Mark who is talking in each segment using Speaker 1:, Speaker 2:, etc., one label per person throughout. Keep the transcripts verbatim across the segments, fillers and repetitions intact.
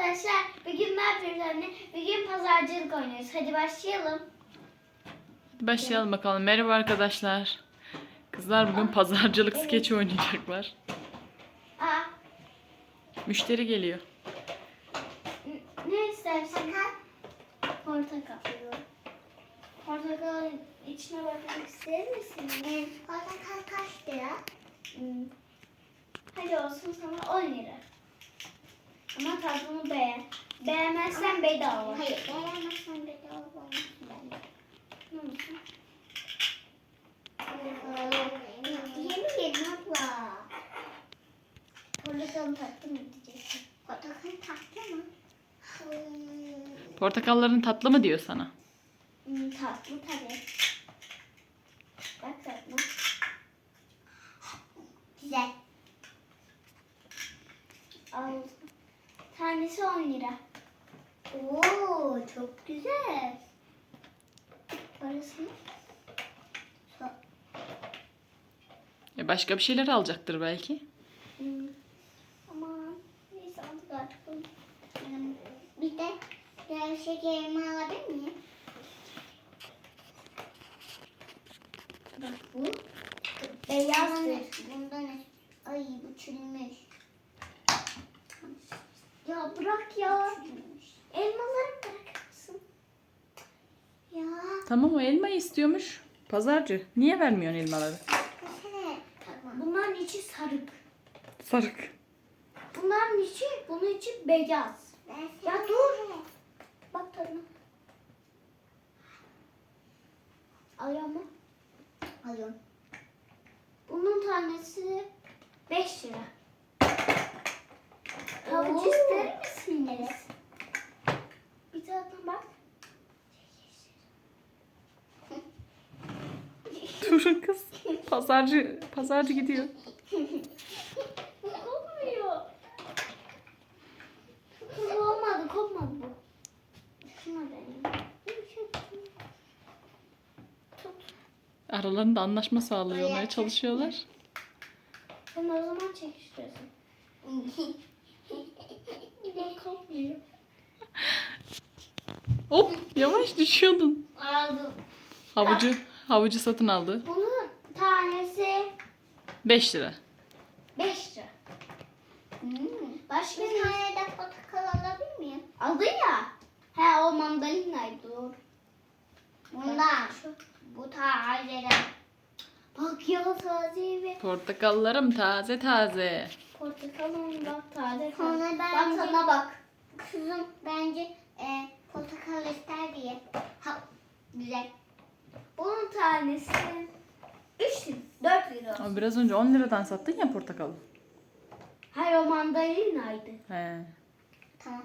Speaker 1: arkadaşlar, bugün ne yapıyoruz anne? Bugün pazarcılık oynuyoruz. Hadi başlayalım.
Speaker 2: Başlayalım bakalım. Merhaba arkadaşlar. Kızlar bugün pazarcılık skeçi oynayacaklar.
Speaker 1: Aa,
Speaker 2: Müşteri geliyor.
Speaker 1: n- ne istersin? Portakal. Portakalın içine bakmak ister misin? Evet. Portakal kaç lira? Hmm. Hadi olsun sana on lira. Ama tadını beğen. Beğenmezsen bedava.
Speaker 3: Hayır, beğenmezsen bedava olmaz bence.
Speaker 1: Ne olsun?
Speaker 3: Diyemeyelim abla.
Speaker 1: Portakalın tatlı mı diyeceksin?
Speaker 3: Portakal tatlı mı? Hmm.
Speaker 2: Portakalların tatlı mı diyor sana?
Speaker 1: Hmm, tatlı tabii. Bak tatlı.
Speaker 3: Güzel.
Speaker 1: Al. Tanesi on lira.
Speaker 3: Oo, çok güzel.
Speaker 1: Parasını.
Speaker 2: E başka bir şeyler alacaktır belki.
Speaker 1: Hmm. Aman. Neyse aldık artık.
Speaker 3: Hmm, Bir de biraz şekerimi alabilir miyim?
Speaker 1: Bak bu. Beyazdır.
Speaker 3: Bundan ay bu çürümüş.
Speaker 1: Ya bırak ya. Elmaları bırakır mısın?
Speaker 3: Ya.
Speaker 2: Tamam, o elmayı istiyormuş. Pazarcı. Niye vermiyorsun elmaları?
Speaker 3: Bakın. Tamam.
Speaker 1: Bunların içi sarık.
Speaker 2: Sarık.
Speaker 1: Bunların içi, bunun içi beyaz. Ya dur. Bak tadına. Alıyor mu?
Speaker 3: Alıyorum.
Speaker 1: Bunun tanesi beş lira. Havuç
Speaker 3: Oo.
Speaker 1: ister misiniz? Bir tadına bak.
Speaker 2: Durun kız. Pazarcı, pazarcı gidiyor.
Speaker 1: Kopmuyor. Kız olmadı, kopmadı bu. Şuna deneyim. Tut.
Speaker 2: Aralarında anlaşma sağlıyorlar, çalışıyorlar.
Speaker 1: Sen o zaman çekiştiriyorsun. Bu kopmuyor.
Speaker 2: Hop, yavaş düşüyordun.
Speaker 1: Aldım.
Speaker 2: Havucu, havucu satın aldı.
Speaker 1: Bunun tanesi
Speaker 2: beş lira.
Speaker 1: beş lira.
Speaker 3: Hmm.
Speaker 1: Başka
Speaker 3: Bir
Speaker 1: ne?
Speaker 3: tane de portakal alabilir miyim?
Speaker 1: Aldın ya. He o mandalinaydı doğru.
Speaker 3: Bundan.
Speaker 1: Şu.
Speaker 3: Bu tazeden.
Speaker 1: Bak ya taze ve
Speaker 2: Portakallarım taze taze.
Speaker 1: portakalın bak taze
Speaker 3: Sonra
Speaker 1: taze. Bak
Speaker 3: bence-
Speaker 1: tadına bak.
Speaker 3: Kızım bence e, portakal ister diye. Ha, güzel.
Speaker 1: Bunun tanesi üç lira. dört lira.
Speaker 2: Ama biraz önce on liradan sattın ya portakalı.
Speaker 1: Hayır o mandalinaydı.
Speaker 2: He.
Speaker 3: Tamam.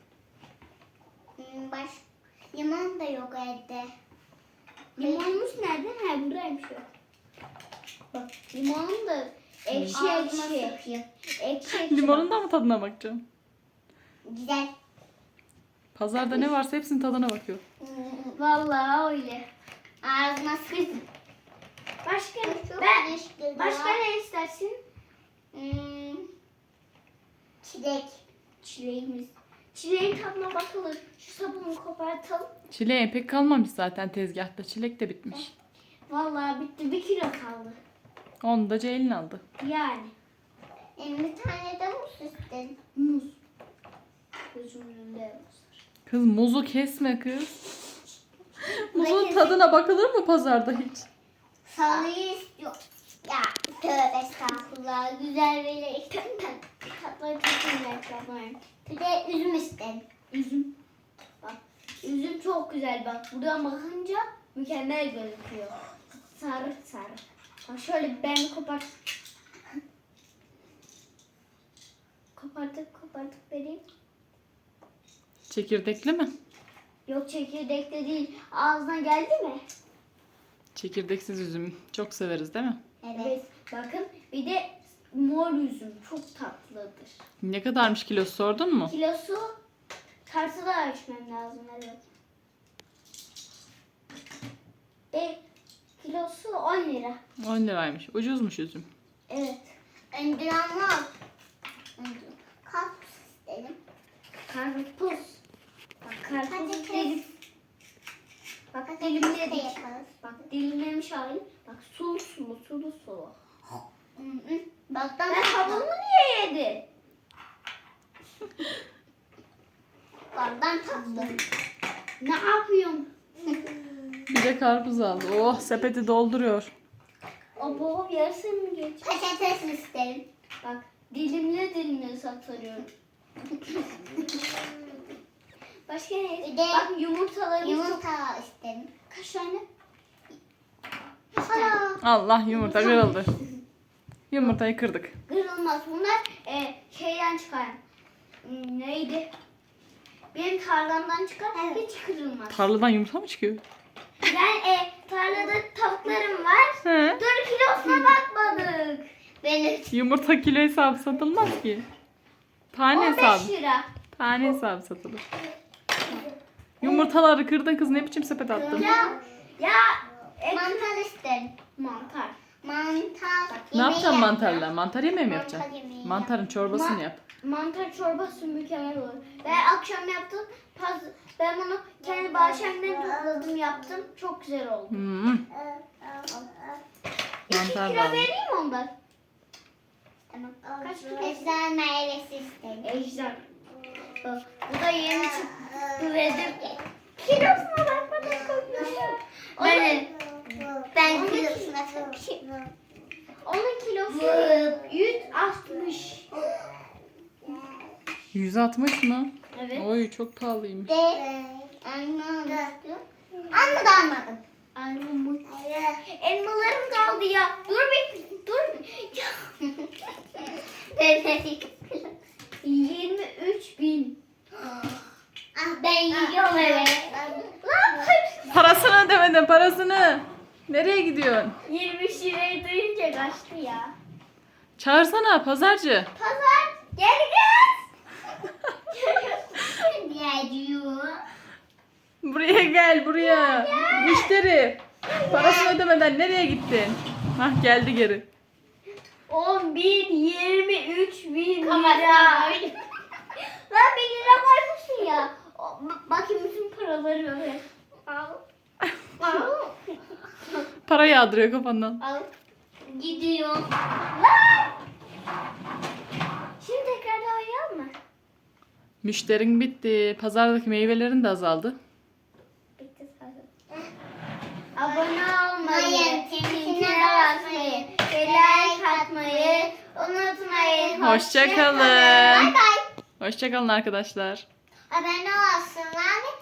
Speaker 3: Hmm, baş limon da yok evde.
Speaker 1: Limonumuz nerede? He buradaymış o. Bak limonun da ekşi
Speaker 3: Ağzıma
Speaker 1: ekşi.
Speaker 3: sıkıyor.
Speaker 1: Ekşi ekşi.
Speaker 2: Limonun da mı tadına bakacağım?
Speaker 3: Güzel.
Speaker 2: Pazarda ne varsa hepsinin tadına bakıyor.
Speaker 3: Hmm,
Speaker 1: Vallahi öyle.
Speaker 3: ağzıma sıkıyor.
Speaker 1: Başka
Speaker 3: Çok
Speaker 1: ben
Speaker 3: leşli
Speaker 1: başka
Speaker 3: ya.
Speaker 1: ne istersin?
Speaker 3: Hmm, çilek.
Speaker 1: Çileğimiz. Çileğin tadına bakılır. Şu sabunu kopartalım.
Speaker 2: Çileğe pek kalmamış zaten tezgahta. Çilek de bitmiş.
Speaker 1: Vallahi bitti. Bir kilo kaldı.
Speaker 2: Onu da Ceylin aldı.
Speaker 1: Yani.
Speaker 3: E, bir tane de muz istedin.
Speaker 1: Muz. Gözümün önünde muz.
Speaker 2: Kız muzu kesme kız. Muzun
Speaker 3: Belki-
Speaker 2: tadına bakılır mı pazarda hiç?
Speaker 3: Salıyı istiyor. Ya tövbe estağfurullah. Güzel böyle istedim.
Speaker 1: Tatları çok güzel tatlarım.
Speaker 3: Bir de üzüm istedim.
Speaker 1: Üzüm. Bak. Üzüm çok güzel bak. Buradan bakınca mükemmel gözüküyor. Sarı sarı. Bak şöyle ben kopart. Kopartıp kopartıp vereyim.
Speaker 2: Çekirdekli mi?
Speaker 1: Yok çekirdekte değil. Ağzına geldi mi?
Speaker 2: Çekirdeksiz üzüm. Çok severiz değil mi?
Speaker 3: Evet.
Speaker 1: Evet. Bakın bir de mor üzüm çok tatlıdır.
Speaker 2: Ne kadarmış kilosu sordun mu?
Speaker 1: Kilosu tartıda ölçmem lazım evet. Ve kilosu on lira.
Speaker 2: on liraymış. Ucuzmuş üzüm.
Speaker 1: Evet.
Speaker 3: Öndürenler. Kaps istedim.
Speaker 1: karpuz. Bak karpuz
Speaker 3: Patates.
Speaker 1: dilim. Bak
Speaker 3: Patates
Speaker 1: dilimledik.
Speaker 3: de yaparız.
Speaker 1: Bak dilimlemiş hali. Bak sulu sulu sulu sulu.
Speaker 3: Hı hı. Baktan
Speaker 1: Ben tavuğumu niye yedi?
Speaker 3: Baktan tatlı.
Speaker 1: Ne yapıyorsun?
Speaker 2: Bir de karpuz aldı. Oh sepeti dolduruyor.
Speaker 1: O boğum yarısı mı geç?
Speaker 3: Patates isterim.
Speaker 1: Bak dilimle dilimle satıyorum. Başka ne?
Speaker 3: Bir de
Speaker 1: Bak yumurtalarımız çok...
Speaker 3: Yumurta isterim.
Speaker 1: Kaç tane?
Speaker 3: Hala.
Speaker 2: Allah yumurta kırıldı. Yumurtayı kırdık.
Speaker 1: Kırılmaz. Bunlar e, şeyden çıkar. Hmm, neydi? Benim tarlamdan çıkar.
Speaker 3: Evet.
Speaker 1: Hiç kırılmaz.
Speaker 2: Tarladan yumurta mı çıkıyor?
Speaker 1: Ben e, tarlada tavuklarım var.
Speaker 2: He.
Speaker 1: Dur kilosuna bakmadık.
Speaker 3: Benim.
Speaker 2: Yumurta kilo hesabı satılmaz ki. Tane
Speaker 1: on beş
Speaker 2: hesabı.
Speaker 1: lira.
Speaker 2: Tane hesabı satılır. Yumurtaları kırdın kız, ne biçim sepet attın?
Speaker 1: Ya ya e,
Speaker 3: Mantar isterim.
Speaker 1: mantar.
Speaker 3: Mantar.
Speaker 2: Ne yapacaksın
Speaker 3: yemeği
Speaker 2: mantarla?
Speaker 3: yapacağım.
Speaker 2: Mantar yemeği mi
Speaker 3: Mantar
Speaker 2: yapacaksın?
Speaker 3: yemeği
Speaker 2: Mantarın çorbasını
Speaker 1: Ma-
Speaker 2: yap.
Speaker 1: Mantar çorbası mükemmel olur. Ben akşam yaptım. Paz, ben bunu kendi bahçemden topladım yaptım. Çok güzel oldu.
Speaker 2: Hmm.
Speaker 1: İki
Speaker 2: Mantar
Speaker 1: kilo
Speaker 2: da aldım.
Speaker 1: vereyim mi ondan?
Speaker 3: Tamam.
Speaker 1: Kaç kilo?
Speaker 3: Ejder meyvesi isterim.
Speaker 1: Ejder. Bak, bu da yeni çıktı dedim. Kilosuna bakmadan koyuyor ya.
Speaker 3: Ben, ben
Speaker 1: Onun-
Speaker 3: kilosuna takıyorum.
Speaker 1: Onun kilosu yüz altmış.
Speaker 2: yüz altmış mı?
Speaker 1: Evet.
Speaker 2: Oy çok pahalıymış.
Speaker 3: De. Anladım. Anladım anladım.
Speaker 1: Anladım. Elmalarım kaldı ya. Dur bir dur. bir. Ya. yirmi üç bin.
Speaker 3: Ah ben yiyorum evet.
Speaker 1: Lan
Speaker 2: Parasını ödemedin, parasını. Nereye gidiyorsun?
Speaker 1: yirmi üç lirayı duyunca kaçtı ya.
Speaker 2: Çağırsana pazarcı.
Speaker 1: Pazar gel gel.
Speaker 3: Diğer diyor.
Speaker 2: Buraya gel, buraya. Müşteri. Parasını ödemeden nereye gittin? Hah geldi geri.
Speaker 1: on bin, yirmi üç bin lira.
Speaker 3: Kameraya
Speaker 1: Lan bir lira koymuşsun ya. O, b- bakayım bütün paraları öyle. Al. Al.
Speaker 2: Para yağdırıyor kafandan.
Speaker 1: Al. Gidiyor. Lan! Şimdi tekrar oynayalım mı?
Speaker 2: Müşterin bitti. Pazardaki meyvelerin de azaldı.
Speaker 1: Bitti zaten. Abone olmayı,
Speaker 3: Hayır,
Speaker 1: tintine
Speaker 3: tintine
Speaker 1: basmayı, ve like atmayı unutmayın.
Speaker 2: Hoşça kalın.
Speaker 3: Bye bye.
Speaker 2: Hoşça kalın arkadaşlar.
Speaker 3: Abone olsunlar ve